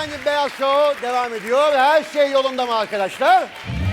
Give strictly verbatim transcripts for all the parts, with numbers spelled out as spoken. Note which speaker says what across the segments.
Speaker 1: Efendim Beyaz Show devam ediyor. Her şey yolunda mı arkadaşlar?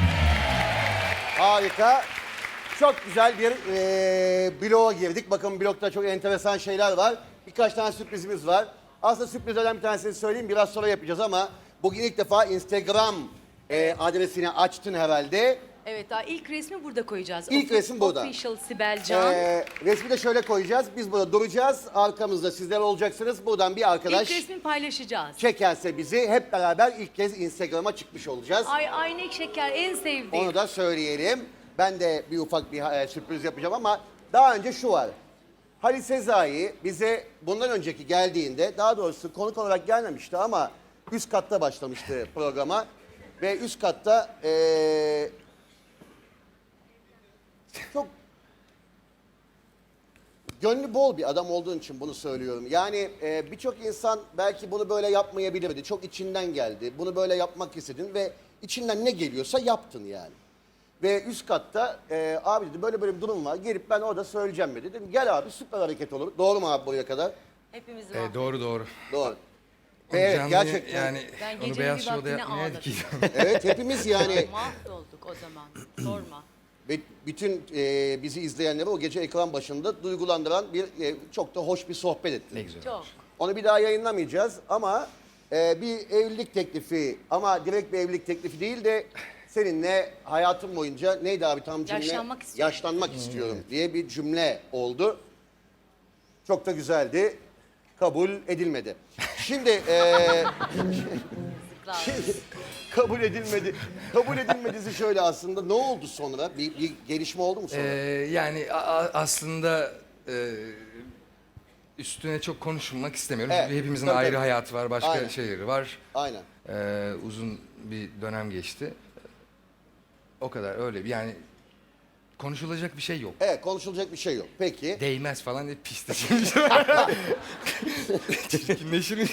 Speaker 1: Harika. Çok güzel bir e, bloğa girdik. Bakın blokta çok enteresan şeyler var. Birkaç tane sürprizimiz var. Aslında sürprizlerden bir tanesini söyleyeyim. Biraz sonra yapacağız ama bugün ilk defa Instagram e, adresini açtın herhalde.
Speaker 2: Evet, daha ilk resmi burada koyacağız.
Speaker 1: İlk
Speaker 2: Offi-
Speaker 1: resim burada.
Speaker 2: Official Sibel Can.
Speaker 1: E, resmi de şöyle koyacağız. Biz burada duracağız. Arkamızda sizler olacaksınız. Buradan bir arkadaş
Speaker 2: İlk resmi paylaşacağız.
Speaker 1: çekerse bizi hep beraber ilk kez Instagram'a çıkmış olacağız.
Speaker 2: Ay aynek şeker en sevdiğim.
Speaker 1: Onu da söyleyelim. Ben de bir ufak bir e, sürpriz yapacağım ama daha önce şu var. Halil Sezai bize bundan önceki geldiğinde, daha doğrusu konuk olarak gelmemişti ama üst katta başlamıştı programa. Ve üst katta e, çok gönlü bol bir adam olduğun için bunu söylüyorum. Yani e, birçok insan belki bunu böyle yapmayabilirdi. Çok içinden geldi. Bunu böyle yapmak istedin ve içinden ne geliyorsa yaptın yani. Ve üst katta e, abi dedi böyle böyle bir durum var. Gelip ben orada söyleyeceğim dedi. Dedim gel abi süper hareket olur. Doğru mu abi buraya kadar?
Speaker 2: Hepimizin
Speaker 3: E, doğru doğru.
Speaker 1: Doğru. Ve evet
Speaker 3: Canlı
Speaker 1: gerçekten.
Speaker 3: Yani
Speaker 2: Ben
Speaker 3: onu
Speaker 2: gecenin
Speaker 3: Beyaz
Speaker 2: bir
Speaker 3: Show'da
Speaker 2: vaktini
Speaker 3: yapmayaydık ki.
Speaker 1: Evet hepimiz yani.
Speaker 2: Mahvolduk o zaman. Sorma.
Speaker 1: Ve bütün e, bizi izleyenleri o gece ekran başında duygulandıran bir e, çok da hoş bir sohbet ettik.
Speaker 3: Ne güzel.
Speaker 2: Çok.
Speaker 1: Onu bir daha yayınlamayacağız ama e, bir evlilik teklifi ama direkt bir evlilik teklifi değil de seninle hayatım boyunca neydi abi tam cümle?
Speaker 2: Yaşlanmak istiyorum.
Speaker 1: Yaşlanmak istiyorum diye bir cümle oldu. Çok da güzeldi. Kabul edilmedi. Şimdi e,
Speaker 2: Yazıklar.
Speaker 1: kabul edilmedi. Kabul edilmedisi şöyle aslında. Ne oldu sonra? Bir, bir gelişme oldu mu sonra?
Speaker 3: Ee, yani a- a- aslında e, üstüne çok konuşmak istemiyorum.
Speaker 1: Evet,
Speaker 3: Çünkü hepimizin
Speaker 1: tabii,
Speaker 3: ayrı
Speaker 1: tabii.
Speaker 3: hayatı var, başka
Speaker 1: Aynen.
Speaker 3: şeyleri var.
Speaker 1: Aynen.
Speaker 3: Ee, uzun bir dönem geçti. O kadar öyle. Yani konuşulacak bir şey yok.
Speaker 1: Evet konuşulacak bir şey yok. Peki.
Speaker 3: Değmez falan diye pis şimdi. Çirkinleşir.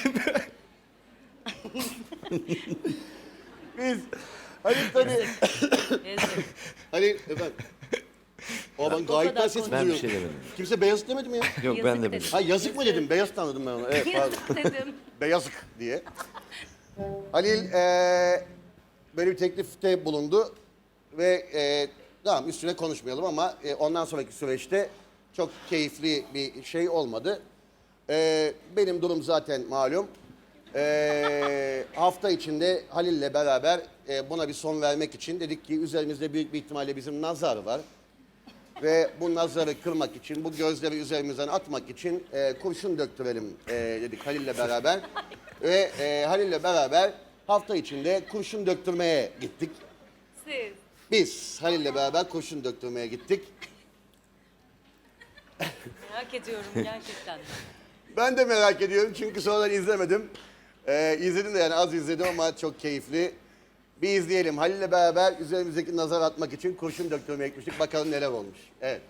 Speaker 1: Biz Halil tabii.
Speaker 2: Yazık.
Speaker 1: Halil efendim. O ben gayet
Speaker 2: kadar
Speaker 1: ses
Speaker 2: konuş-
Speaker 4: Ben bir
Speaker 1: duyuyorum.
Speaker 4: şey demedim.
Speaker 1: Kimse beyazık demedi mi ya?
Speaker 4: Yok
Speaker 2: Yazık
Speaker 4: ben de
Speaker 2: dedim.
Speaker 4: demedim.
Speaker 1: Ha yazık mı dedim? Beyaz tanıdım ben onu. Evet pardon.
Speaker 2: Yazık dedim.
Speaker 1: Beyazık diye. Halil eee böyle bir teklifte bulundu ve eee tamam üstüne konuşmayalım ama e, ondan sonraki süreçte çok keyifli bir şey olmadı. Eee, benim durum zaten malum. Eee, hafta içinde Halil'le beraber e, buna bir son vermek için dedik ki üzerimizde büyük bir ihtimalle bizim nazar var. Ve bu nazarı kırmak için, bu gözleri üzerimizden atmak için e, kurşun döktürelim e, dedik Halil'le beraber. Ve e, Halil'le beraber hafta içinde kurşun döktürmeye gittik.
Speaker 2: Siz.
Speaker 1: Biz Halil'le beraber kurşun döktürmeye gittik.
Speaker 2: Merak ediyorum gerçekten.
Speaker 1: Ben de merak ediyorum çünkü sonradan izlemedim. E, izledim de yani az izledim ama çok keyifli. Bir izleyelim. Halil'le beraber üzerimizdeki nazar atmak için kurşun döktürmeye gitmiştik. Bakalım neler olmuş. Evet.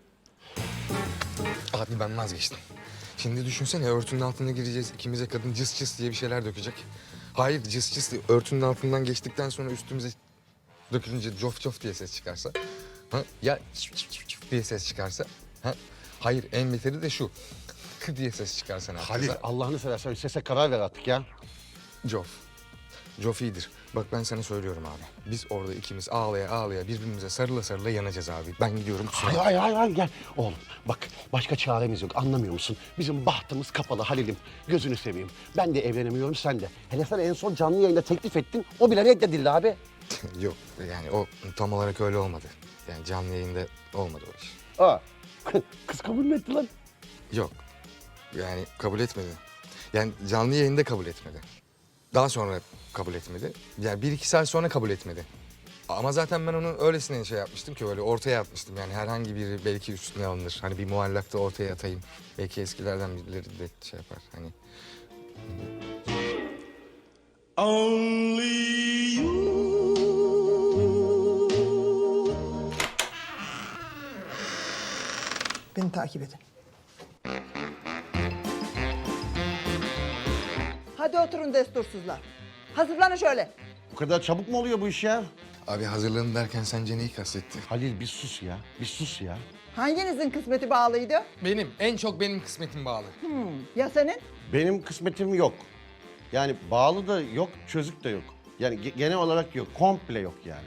Speaker 5: Abi ben vazgeçtim. Şimdi düşünsene örtünün altına gireceğiz. İkimize kadın cıs cıs diye bir şeyler dökecek. Hayır cıs cıs diye örtünün altından geçtikten sonra üstümüze dökülünce cof cof diye ses çıkarsa. Ha? Ya çif çif çif çif diye ses çıkarsa. Ha? Hayır en beteri de şu. Kı diye ses çıkarsa ne
Speaker 1: Halil
Speaker 5: yapacağız?
Speaker 1: Allah'ını seversen sese karar ver artık ya.
Speaker 5: Cof. Cof iyidir. Bak ben sana söylüyorum abi. Biz orada ikimiz ağlaya ağlaya birbirimize sarıla sarıla yanacağız abi. Ben gidiyorum.
Speaker 6: Hayır hayır hayır hayır, gel. Oğlum bak başka çaremiz yok anlamıyor musun? Bizim bahtımız kapalı Halil'im. Gözünü seveyim. Ben de evlenemiyorum sen de. Hele sen en son canlı yayında teklif ettin. O bile reddedildi abi.
Speaker 5: Yok yani o tam olarak öyle olmadı. Yani canlı yayında olmadı o iş.
Speaker 6: Aa. Kız kabul mü etti lan?
Speaker 5: Yok. Yani kabul etmedi. Yani canlı yayında kabul etmedi. Daha sonra kabul etmedi. Yani bir iki saat sonra kabul etmedi. Ama zaten ben onu öylesine şey yapmıştım ki öyle ortaya atmıştım. Yani herhangi biri belki üstüne alınır. Hani bir muallakta ortaya atayım. Belki eskilerden birileri de şey yapar. Hani
Speaker 7: Beni takip edin. Hadi oturun destursuzlar. Hazırlanın şöyle.
Speaker 1: Bu kadar çabuk mu oluyor bu iş ya?
Speaker 5: abi hazırlanın derken sence neyi kastetti?
Speaker 6: Halil bir sus ya. Bir sus ya.
Speaker 7: Hanginizin kısmeti bağlıydı?
Speaker 5: Benim. En çok benim kısmetim bağlı.
Speaker 7: Ya senin?
Speaker 1: Benim kısmetim yok.
Speaker 6: Yani bağlı da yok, çözük de yok. Yani ge- genel olarak yok, komple yok yani.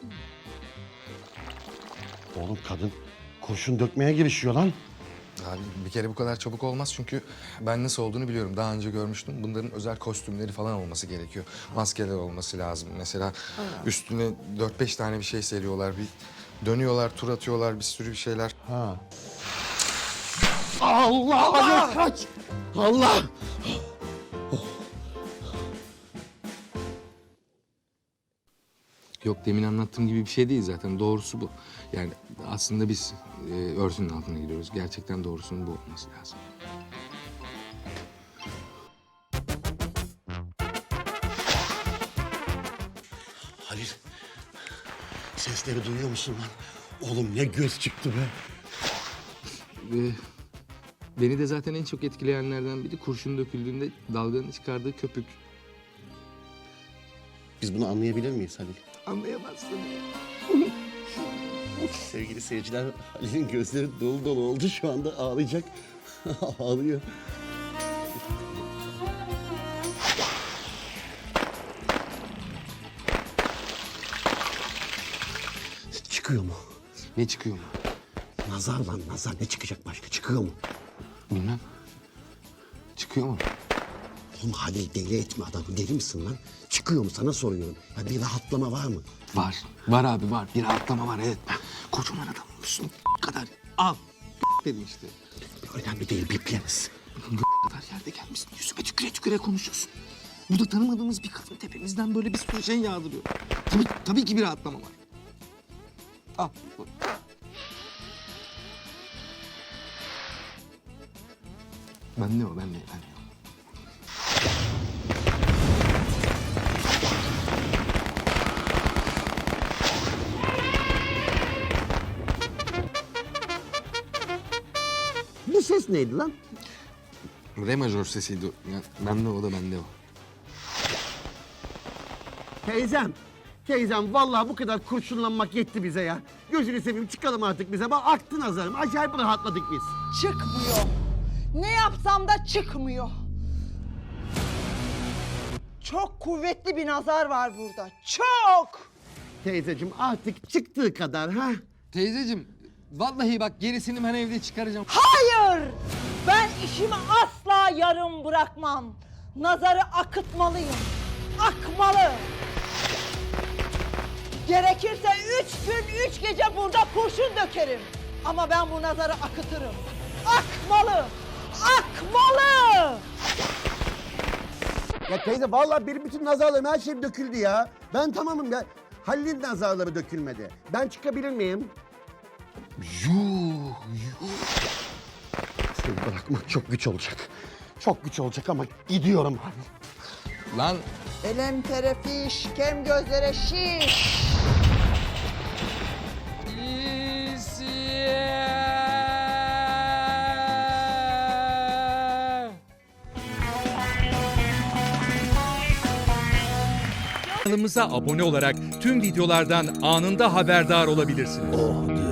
Speaker 6: Oğlum kadın kurşun dökmeye girişiyor lan.
Speaker 5: Abi bir kere bu kadar çabuk olmaz çünkü ben nasıl olduğunu biliyorum. Daha önce görmüştüm. Bunların özel kostümleri falan olması gerekiyor. Maskeler olması lazım. Mesela üstüne dört beş tane bir şey seriyorlar. Bir dönüyorlar, tur atıyorlar, bir sürü bir şeyler.
Speaker 6: Ha. Allah! Allah! Kaç! Allah!
Speaker 5: Yok demin anlattığım gibi bir şey değil zaten. Doğrusu bu. Yani aslında biz e, örtünün altına giriyoruz. Gerçekten doğrusunun bu olması lazım.
Speaker 6: Halil, sesleri duyuyor musun lan? Oğlum ne göz çıktı be.
Speaker 5: Ve beni de zaten en çok etkileyenlerden biri kurşun döküldüğünde dalganın çıkardığı köpük.
Speaker 6: Biz bunu anlayabilir miyiz Halil?
Speaker 5: Anlayamazsın.
Speaker 6: Sevgili seyirciler, Halil'in gözleri dolu dolu oldu. Şu anda ağlayacak. Ağlıyor. Çıkıyor mu?
Speaker 5: Ne çıkıyor mu?
Speaker 6: Nazar lan nazar. Ne çıkacak başka? Çıkıyor mu?
Speaker 5: Bilmem. Çıkıyor mu?
Speaker 6: Oğlum Halil deli etme adamı. Deli misin lan? Çıkıyor mu? Sana soruyorum. Ya bir rahatlama var mı?
Speaker 5: Var. Var abi var. Bir rahatlama var evet. Kocaman adam olmuşsun. kadar. Al. Dedim işte.
Speaker 6: Önemli değil. Bipleriz.
Speaker 5: kadar yerde gelmişsin. Yüzüme tüküre tüküre konuşuyorsun. Burada tanımadığımız bir kadın tepemizden böyle bir sürü şey yağdırıyor. Tabii, tabii ki bir rahatlama var. Al. Ben ne o, ben ne, ben ne o.
Speaker 6: Bu ses neydi lan?
Speaker 5: Re majör sesiydi. Yani bende o da bende o.
Speaker 6: Teyzem. Teyzem vallahi bu kadar kurşunlanmak yetti bize ya. Gözünü seveyim çıkalım artık bize. Bak aktı nazarım. Acayip rahatladık biz.
Speaker 7: Çıkmıyor. Ne yapsam da çıkmıyor. Çok kuvvetli bir nazar var burada. Çok.
Speaker 6: Teyzeciğim artık çıktığı kadar ha.
Speaker 5: Teyzeciğim, vallahi bak gerisini ben evde çıkaracağım.
Speaker 7: Hayır. Ben işimi asla yarım bırakmam. Nazarı akıtmalıyım. Akmalı. Gerekirse üç gün, üç gece burada kurşun dökerim. Ama ben bu nazarı akıtırım. Akmalı. Akmalı.
Speaker 6: Ya teyze vallahi benim bütün nazarlarım her şeyim döküldü ya. Ben tamamım ya. Halil'in nazarları dökülmedi. Ben çıkabilir miyim?
Speaker 5: Yuh, yuh.
Speaker 6: Seni bırakmak çok güç olacak. Çok güç olacak ama gidiyorum Halil.
Speaker 5: Lan
Speaker 7: Elem terefiş, kem gözlere şiş.
Speaker 4: Kanalımıza abone olarak tüm videolardan anında haberdar olabilirsiniz.
Speaker 6: Oh